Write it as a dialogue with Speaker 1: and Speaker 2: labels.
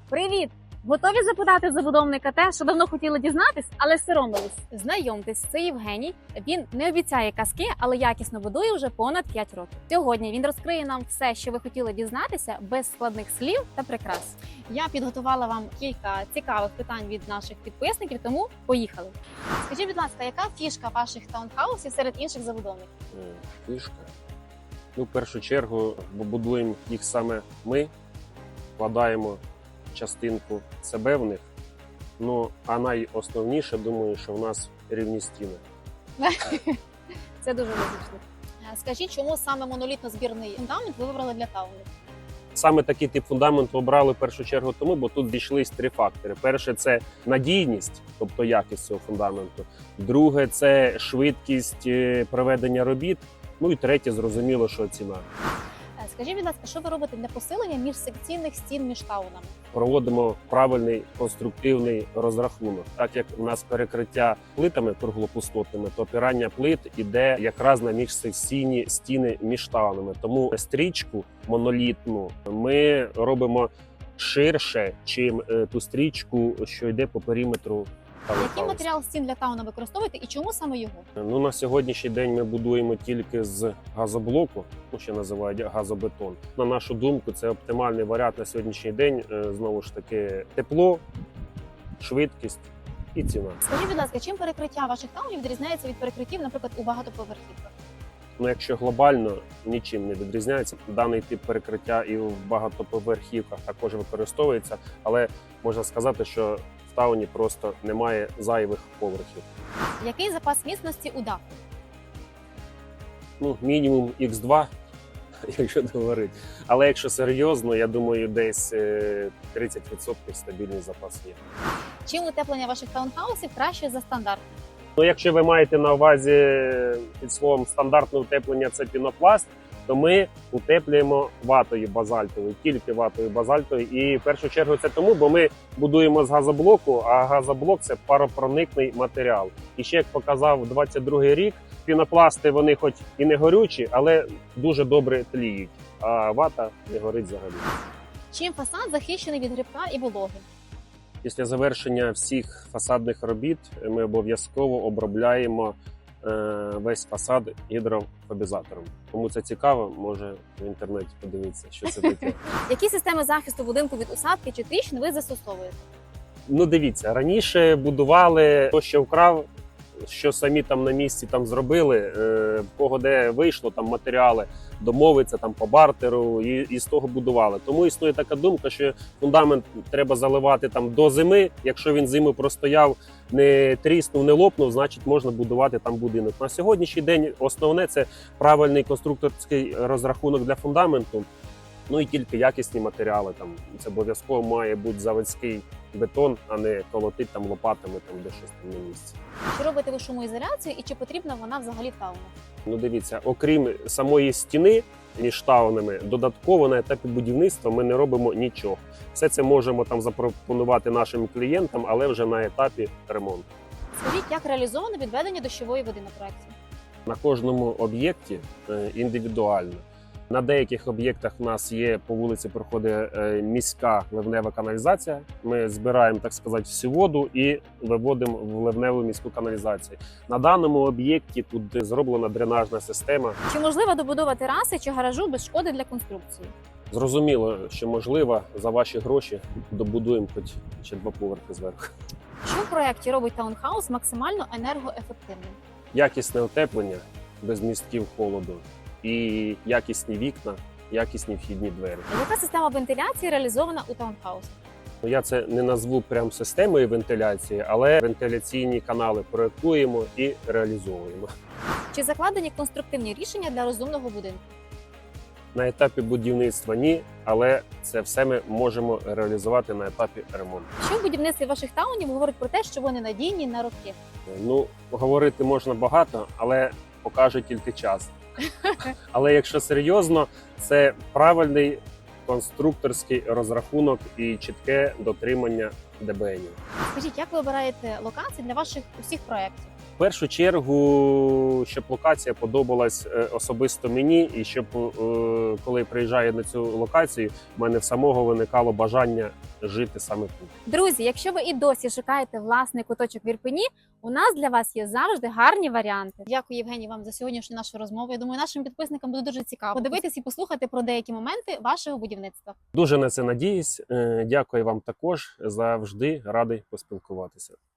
Speaker 1: Привіт! Готові запитати забудовника те, що давно хотіли дізнатись, але соромились? Знайомтесь, це Євгеній. Він не обіцяє казки, але якісно будує вже понад 5 років. Сьогодні він розкриє нам все, що ви хотіли дізнатися, без складних слів та прикрас. Я підготувала вам кілька цікавих питань від наших підписників, тому поїхали. Скажіть, будь ласка, яка фішка ваших таунхаусів серед інших забудовників?
Speaker 2: Фішка. В першу чергу будуємо їх саме ми, вкладаємо частинку себе в них. А найосновніше, думаю, що в нас рівні стіни.
Speaker 1: Це дуже логічно. Скажіть, чому саме монолітно-збірний фундамент ви вибрали для таунів?
Speaker 2: Саме такий тип фундаменту обрали в першу чергу тому, бо тут зійшлись 3 фактори. Перше – це надійність, тобто якість цього фундаменту. Друге – це швидкість проведення робіт. І третє, зрозуміло, що ціна.
Speaker 1: Скажіть, будь ласка, що ви робите для посилення міжсекційних стін між таунами?
Speaker 2: Проводимо правильний конструктивний розрахунок. Так як у нас перекриття плитами круглопустотними, то опирання плит іде якраз на міжсекційні стіни між таунами. Тому стрічку монолітну ми робимо ширше, чим ту стрічку, що йде по периметру.
Speaker 1: Який матеріал стін для тауна використовуєте і чому саме його?
Speaker 2: На сьогоднішній день ми будуємо тільки з газоблоку, ще називають газобетон. На нашу думку, це оптимальний варіант на сьогоднішній день. Знову ж таки, тепло, швидкість і ціна.
Speaker 1: Скажіть, будь ласка, чим перекриття ваших таунів відрізняється від перекриттів, наприклад, у багатоповерхівках?
Speaker 2: Якщо глобально, нічим не відрізняється. Даний тип перекриття і в багатоповерхівках також використовується, але можна сказати, що в тауні просто немає зайвих поверхів.
Speaker 1: Який запас міцності у даху?
Speaker 2: Мінімум Х2, якщо говорити. Але якщо серйозно, я думаю, десь 30% стабільний запас є.
Speaker 1: Чим утеплення ваших таунхаусів краще за стандартне?
Speaker 2: Якщо ви маєте на увазі під словом стандартне утеплення – це пінопласт, то ми утеплюємо ватою базальтовою, тільки ватою базальтовою. І в першу чергу це тому, бо ми будуємо з газоблоку, а газоблок – це паропроникний матеріал. І ще, як показав 22-й рік, пінопласти, вони хоч і не горючі, але дуже добре тліють, а вата не горить взагалі.
Speaker 1: Чим фасад захищений від грибка і вологи?
Speaker 2: Після завершення всіх фасадних робіт ми обов'язково обробляємо весь фасад гідрофобізатором. Кому це цікаво, може в інтернеті подивитися, що це таке.
Speaker 1: Які системи захисту будинку від усадки чи тріщин ви застосовуєте?
Speaker 2: Дивіться, раніше будували, хто що вкрав, що самі там на місці зробили, в кого де вийшло матеріали, домовиться по бартеру і з того будували. Тому існує така думка, що фундамент треба заливати до зими. Якщо він зиму простояв, не тріснув, не лопнув, значить можна будувати будинок. На сьогоднішній день основне – це правильний конструкторський розрахунок для фундаменту. І тільки якісні матеріали. Це обов'язково має бути заводський бетон, а не колотить лопатами де щось на місці.
Speaker 1: Чи робите ви шумоізоляцію і чи потрібна вона взагалі в таунах?
Speaker 2: Дивіться, окрім самої стіни між таунами, додатково на етапі будівництва ми не робимо нічого. Все це можемо запропонувати нашим клієнтам, але вже на етапі ремонту.
Speaker 1: Скажіть, як реалізовано відведення дощової води на проєкті?
Speaker 2: На кожному об'єкті індивідуально. На деяких об'єктах у нас є, по вулиці проходить міська ливнева каналізація. Ми збираємо, так сказати, всю воду і виводимо в ливневу міську каналізацію. На даному об'єкті тут зроблена дренажна система.
Speaker 1: Чи можливо добудова тераси чи гаражу без шкоди для конструкції?
Speaker 2: Зрозуміло, що можливо, за ваші гроші добудуємо хоч ще 2 поверхи зверху.
Speaker 1: Що в проєкті робить таунхаус максимально енергоефективним?
Speaker 2: Якісне утеплення без містків холоду. І якісні вікна, якісні вхідні двері.
Speaker 1: Яка система вентиляції реалізована у таунхаусі?
Speaker 2: Я це не назву прям системою вентиляції, але вентиляційні канали проєктуємо і реалізовуємо.
Speaker 1: Чи закладені конструктивні рішення для розумного будинку?
Speaker 2: На етапі будівництва ні, але це все ми можемо реалізувати на етапі ремонту.
Speaker 1: Що в будівництві ваших таунів говорить про те, що вони надійні на роки?
Speaker 2: Говорити можна багато, але покаже тільки час. Але якщо серйозно, це правильний конструкторський розрахунок і чітке дотримання ДБНів.
Speaker 1: Скажіть, як ви обираєте локації для ваших усіх проєктів?
Speaker 2: В першу чергу, щоб локація подобалась особисто мені, і щоб коли приїжджаю на цю локацію, в мене в самого виникало бажання жити саме тут.
Speaker 1: Друзі, якщо ви і досі шукаєте власний куточок в Ірпені, у нас для вас є завжди гарні варіанти. Дякую, Євгеній, вам за сьогоднішню нашу розмову. Я думаю, нашим підписникам буде дуже цікаво подивитись і послухати про деякі моменти вашого будівництва.
Speaker 2: Дуже на це надіюсь. Дякую вам також. Завжди радий поспілкуватися.